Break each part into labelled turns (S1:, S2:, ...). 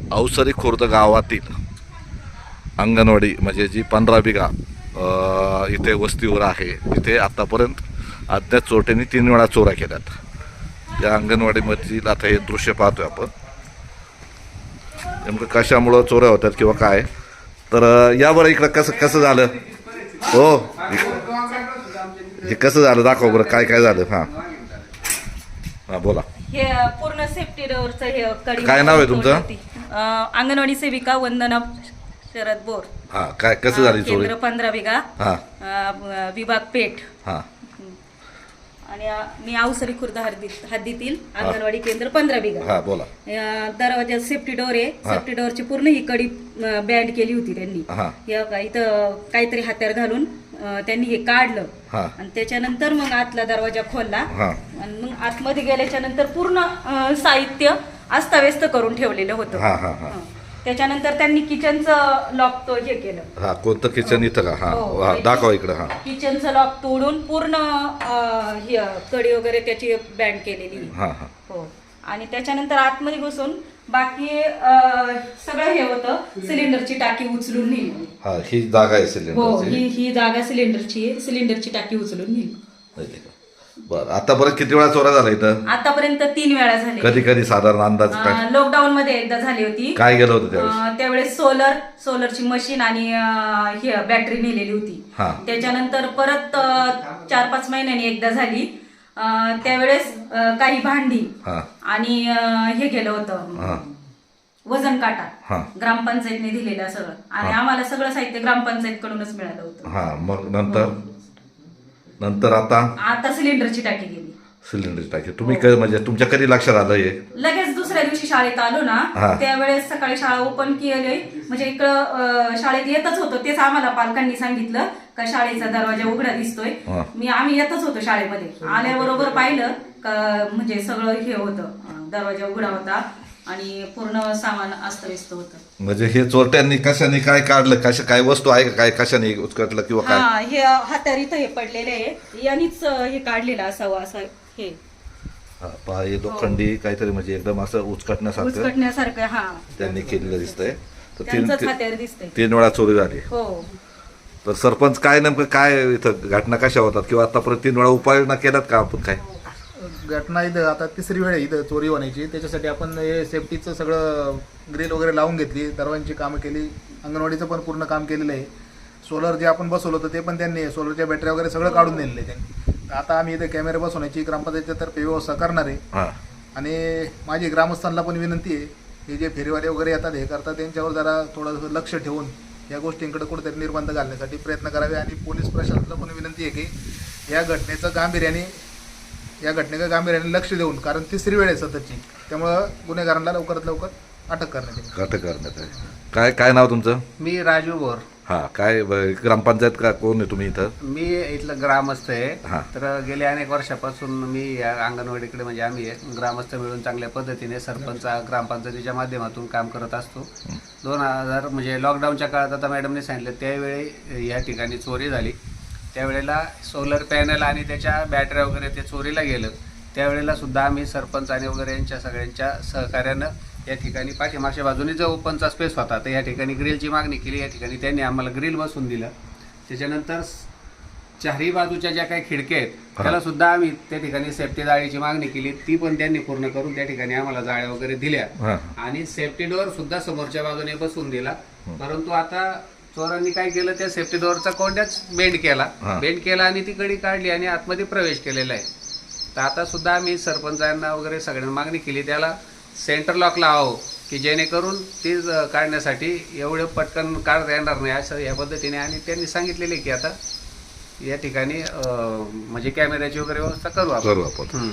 S1: अवसरी खुर्द गावातील अंगणवाडी म्हणजे जी 15 बिघा इथे वस्तीवर आहे, तिथे आतापर्यंत अज्ञात चोरट्यांनी 3 वेळा चोऱ्या केल्यात। या अंगणवाडीमधील आता हे दृश्य पाहतोय आपण, नेमकं कशामुळं चोऱ्या होतात किंवा काय। तर यावर इकडं कसं झालं हो, हे कसं झालं दाखव बरं, काय काय झालं। हां बोला।
S2: हे पूर्ण सेफ्टी डोअरचं हे कडी।
S1: काय नाव आहे तुमचं?
S2: अंगणवाडी सेविका वंदना शरद बोर।
S1: हां, काय कसं झाली चोरी?
S2: केंद्र 15 बिघा, विभाग पेठ।
S1: हां,
S2: आणि मी अवसरी खुर्द हद्दीतील अंगणवाडी केंद्र 15 बिघा।
S1: हां बोला।
S2: दरवाजा सेफ्टी डोअर आहे, सेफ्टी डोअरची पूर्ण ही कडी बँड केली होती त्यांनी। इथं काहीतरी हात्यार घालून त्यांनी हे काढलं आणि त्याच्यानंतर मग आतला दरवाजा खोलला आणि मग आतमध्ये गेल्याच्या नंतर पूर्ण साहित्य अस्ताव्यस्त करून ठेवलेलं होतं। त्याच्यानंतर त्यांनी किचनचं लॉक तो हे केलं।
S1: हा, कोणतं किचन इथं का? हा दाखवा इकडं। हा,
S2: किचनचं लॉक तोडून पूर्ण कडी वगैरे त्याची बँड केलेली। हो, आणि त्याच्यानंतर आतमध्ये घुसून बाकी सगळं हे होतं, सिलेंडरची टाकी उचलून नेली।
S1: हा, ही जागा आहे सिलेंडर।
S2: हो, ही जागा सिलेंडरची टाकी उचलून नेली।
S1: बरं, आतापर्यंत किती वेळा चोऱ्या झाल्या इथं?
S2: आतापर्यंत 3 वेळा झाले।
S1: कधी कधी साधारण अंदाज काय?
S2: लॉकडाऊन मध्ये एकदा झाली होती।
S1: काय गेलं होतं त्यावेळेस?
S2: त्यावेळेस सोलरची मशीन आणि ही बॅटरी नेलेली होती। त्याच्यानंतर परत 4-5 महिन्यांनी एकदा झाली, त्यावेळेस काही भांडी आणि हे गेलं होतं वजन काटा, ग्रामपंचायतने दिलेलं सगळं, आणि आम्हाला सगळं साहित्य ग्रामपंचायत कडूनच मिळालं होतं।
S1: मग नंतर आता
S2: सिलेंडरची टाकी गेली।
S1: सिलेंडरची टाकी तुम्ही म्हणजे तुमच्या कधी लक्षात आलं हे?
S2: लगेच दुसऱ्या दिवशी शाळेत आलो ना, त्यावेळेस सकाळी शाळा ओपन केली, म्हणजे इकडं शाळेत येतच होतो, तेच आम्हाला पालकांनी सांगितलं का शाळेचा दरवाजा उघडा दिसतोय। आम्ही येतच होतो शाळेमध्ये, आल्याबरोबर पाहिलं का म्हणजे सगळं हे होतं, दरवाजा उघडा होता आणि पूर्ण सामान अस्ताव्यस्त होतं।
S1: म्हणजे हे चोरट्यांनी कशाने काय काढलं, काय वस्तू आहे का, काय कशाने उचकटलं किंवा काय?
S2: हे हातार इथं हे पडलेले आहे, यांनीच हे काढलेलं असावं असं हे।
S1: हे लोखंडी काहीतरी म्हणजे एकदम असं
S2: उचकटण्यासारखं
S1: त्यांनी केलेलं दिसतंय।
S2: त्यांचंच हातार दिसतंय।
S1: 3 वेळा चोरी झाली।
S2: हो।
S1: तर सरपंच काय नेमकं काय इथं घटना कशा होतात किंवा आतापर्यंत 3 वेळा उपाययोजना केल्यात का आपण? काय
S3: घटना इथं आता 3री वेळ इथं चोरी होण्याची, त्याच्यासाठी आपण हे सेफ्टीचं सगळं ग्रिल वगैरे लावून घेतली, दरवाजांची कामं केली, अंगणवाडीचं पण पूर्ण काम केलेलं आहे। सोलर जे आपण बसवलं होतं ते पण त्यांनी, सोलरच्या बॅटरी वगैरे सगळं काढून दिलेलं आहे त्यांनी। आता आम्ही इथे कॅमेरे बसवण्याची ग्रामपंचायतीच्या तर्फे व्यवस्था करणार आहे। आणि माझी ग्रामस्थांना पण विनंती आहे, हे जे फेरीवाले वगैरे येतात हे करतात, त्यांच्यावर जरा थोडंसं लक्ष ठेवून या गोष्टींकडे कुठेतरी निर्बंध घालण्यासाठी प्रयत्न करावे। आणि पोलीस प्रशासनाला पण विनंती आहे की या घटनेचं गांभीर्याने लक्ष देऊन, कारण 3री वेळ आहे सततची, त्यामुळं गुन्हेगारांना लवकरात लवकर अटक करण्यात
S1: आहे। काय नाव तुमचं?
S4: मी राजू बोर।
S1: काय ग्रामपंचायत का कोण आहे तुम्ही इथं?
S4: मी इथलं ग्रामस्थ आहे। तर गेल्या अनेक वर्षापासून मी या अंगणवाडीकडे म्हणजे आम्ही ग्रामस्थ मिळून चांगल्या पद्धतीने सरपंच ग्रामपंचायतीच्या माध्यमातून काम करत असतो। 2000 म्हणजे लॉकडाऊनच्या काळात आता मॅडमने सांगितलं त्यावेळी या ठिकाणी चोरी झाली, त्यावेळेला सोलर पॅनल आणि त्याच्या बॅटऱ्या वगैरे ते चोरीला गेलं, त्यावेळेला सुद्धा आम्ही सरपंच आणि वगैरे यांच्या सगळ्यांच्या सहकार्यानं या ठिकाणी पाठीमागच्या बाजूने जो ओपनचा स्पेस होता तर या ठिकाणी ग्रिलची मागणी केली, या ठिकाणी त्यांनी आम्हाला ग्रिल बसवून दिलं। त्याच्यानंतर 4ही बाजूच्या ज्या काही खिडक्या आहेत त्याला सुद्धा आम्ही त्या ठिकाणी सेफ्टी जाळीची मागणी केली, ती पण त्यांनी पूर्ण करून त्या ठिकाणी आम्हाला जाळ्या वगैरे दिल्या आणि सेफ्टी डोअर सुद्धा समोरच्या बाजूने बसवून दिला। परंतु आता चोरांनी काय केलं, त्या सेफ्टी डोअरचा कोंड्याच बेंड केला आणि ती कडी काढली आणि आतमध्ये प्रवेश केलेला आहे। तर आता सुद्धा आम्ही सरपंचांना वगैरे सगळ्यांना मागणी केली त्याला सेंटर लॉक लावावं, की जेणेकरून ती काढण्यासाठी एवढं पटकन काढता येणार नाही असं या पद्धतीने, आणि त्यांनी सांगितलेले की आता या ठिकाणी म्हणजे कॅमेऱ्याची वगैरे व्यवस्था करू आपण।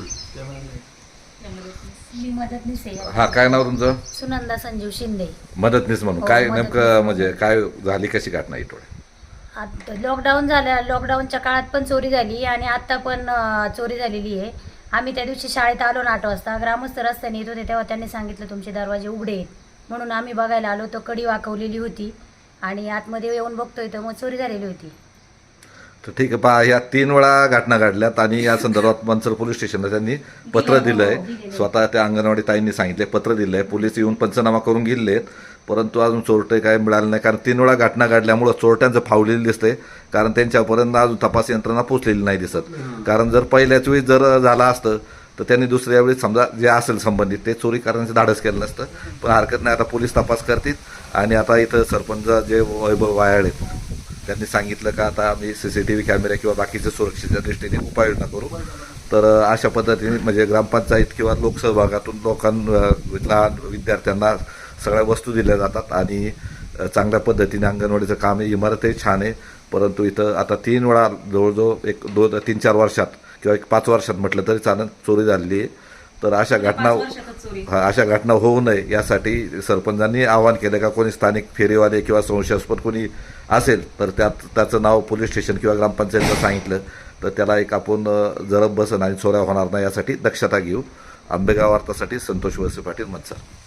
S5: मी मदतनीस आहे।
S1: काय नाव तुमचं?
S5: सुनंदा संजीव शिंदे।
S1: मदतनीस म्हणून काय नेमकं म्हणजे काय झाली, कशी घटना इथं?
S5: लॉकडाऊन झालं, लॉकडाऊनच्या काळात पण चोरी झाली आणि आता पण चोरी झालेली आहे। आम्ही त्या दिवशी शाळेत आलो ना 8 वाजता, ग्रामस्थ रस्त्याने येत होते तेव्हा त्यांनी सांगितलं तुमचे दरवाजे उघडे आहेत, म्हणून आम्ही बघायला आलो, तो कडी वाकवलेली होती आणि आतमध्ये येऊन बघतोय तर मग चोरी झालेली होती।
S1: तर ठीक आहे, पहा या 3 वेळा घटना घडल्यात आणि या संदर्भात मनसर पोलीस स्टेशनला त्यांनी पत्र दिलं आहे. स्वतः त्या अंगणवाडी ताईंनी सांगितले, पत्र दिलं आहे. पोलीस येऊन पंचनामा करून गेले आहेत, परंतु अजून चोरटे काय मिळाले नाही. कारण 3 वेळा घटना घडल्यामुळं चोरट्यांचं फावलेलं दिसतंय, कारण त्यांच्यापर्यंत अजून तपास यंत्रणा पोचलेली नाही दिसत. कारण जर पहिल्याच वेळी जर झालं असतं तर त्यांनी दुसऱ्या वेळी समजा जे असेल संबंधित ते चोरी करण्याचं धाडस केलं नसतं. पण हरकत नाही, आता पोलीस तपास करतील. आणि आता इथं सरपंच जे वैभव वायाळ आहेत त्यांनी सांगितलं का आता आम्ही CCTV कॅमेरे किंवा बाकीच्या सुरक्षेच्या दृष्टीने उपाययोजना करू. तर अशा पद्धतीने म्हणजे ग्रामपंचायत किंवा लोकसहभागातून लहान विद्यार्थ्यांना सगळ्या वस्तू दिल्या जातात आणि चांगल्या पद्धतीने अंगणवाडीचं काम आहे. इमारतही छान आहे, परंतु इथं आता 3 वेळा जवळजवळ 2-3-4 वर्षात किंवा 5 वर्षात म्हटलं तरी चालेल चोरी झालेली आहे. तर अशा घटना
S2: 5 वर्षातच चोरी.
S1: अशा घटना होऊ नये यासाठी सरपंचांनी आवाहन केलं का कोणी स्थानिक फेरीवाले किंवा संशयास्पद कोणी असेल तर त्याचं नाव पोलीस स्टेशन किंवा ग्रामपंचायतीला सांगितलं तर त्याला एक आपण जरब बसन आणि चोऱ्या होणार नाही यासाठी दक्षता घेऊ. आंबेगाव वार्तासाठी संतोष वळसे पाटील, मनसर.